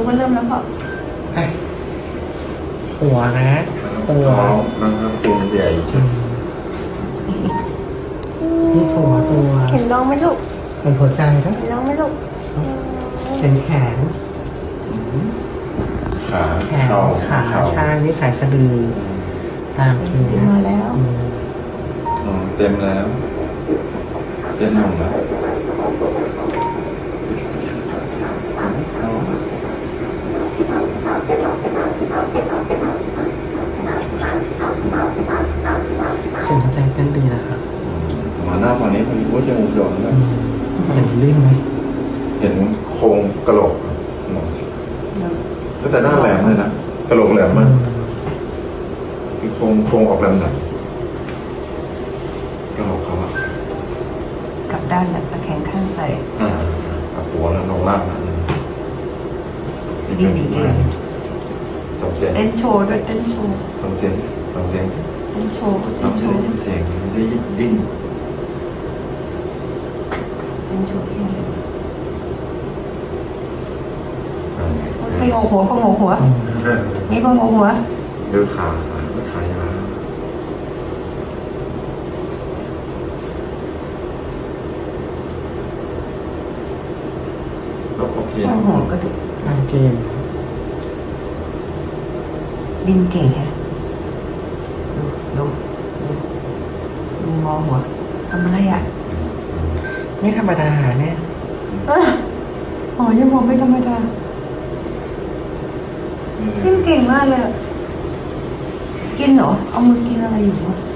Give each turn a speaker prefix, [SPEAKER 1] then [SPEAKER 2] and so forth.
[SPEAKER 1] มันเริ่มแล้วก็
[SPEAKER 2] หัวนะหัว
[SPEAKER 3] ท้องนะครับเป็นใหญ่
[SPEAKER 2] นี่หัวตัว
[SPEAKER 1] เห็นน้องไหมลูก
[SPEAKER 2] เป็นหัวใจนะ
[SPEAKER 1] เห็นน้องไหมลูก
[SPEAKER 2] เป็นแขน
[SPEAKER 3] ขา
[SPEAKER 2] แขน
[SPEAKER 3] เข่า
[SPEAKER 2] ขาใช่นี่สายสะดือตามคิว
[SPEAKER 1] เต็มมาแล้ว
[SPEAKER 3] เต็มแล้วเต็มหนึ่งแล้ว
[SPEAKER 2] เสียงหัวใจเต้นดีนะครับ
[SPEAKER 3] มาหน้าฝั่งนี้มันก็จะมุมหย่อนนะ
[SPEAKER 2] เห็นลื่นไหม
[SPEAKER 3] เห็นโครงกระโหลกก็แต่หน้าแหลมเลยนะกระโหลกแหลมมากคือโครงออกแหลมหน่อยกระโหลกเขาอะ
[SPEAKER 1] กลับด้านแล้วตะแคงข้างใส่
[SPEAKER 3] เอาหัวแล้วลงล่างนะ
[SPEAKER 1] ดีดีเก่ง
[SPEAKER 3] สองเสียง
[SPEAKER 1] เต้นโชว์ด้วยเต้นโชว์
[SPEAKER 3] สองเสียงสองเสียง
[SPEAKER 1] เต้นโชว์เต้
[SPEAKER 3] เรา
[SPEAKER 1] นโช
[SPEAKER 3] ไม่
[SPEAKER 1] ว์
[SPEAKER 3] ได้ยินเสียงไม่ได้ดิ้น
[SPEAKER 1] เต้นโชว์ที่อะไร
[SPEAKER 3] อ่า
[SPEAKER 1] ไปโงหัวพงหัวนี่พงหัว
[SPEAKER 3] ดูขาขายาวเราโอเค
[SPEAKER 1] พงหัวกระดูก
[SPEAKER 2] ทางเกม
[SPEAKER 1] ดินเก่งฮะดูมองหัวทำอะไรอ่ะ
[SPEAKER 2] ไม่ธรรมดาเนี่ย
[SPEAKER 1] อ๋อยังมองไม่ธรรมดาดินเก่งมากเลยกินเหรอเอามือกินอะไรอยู่วะ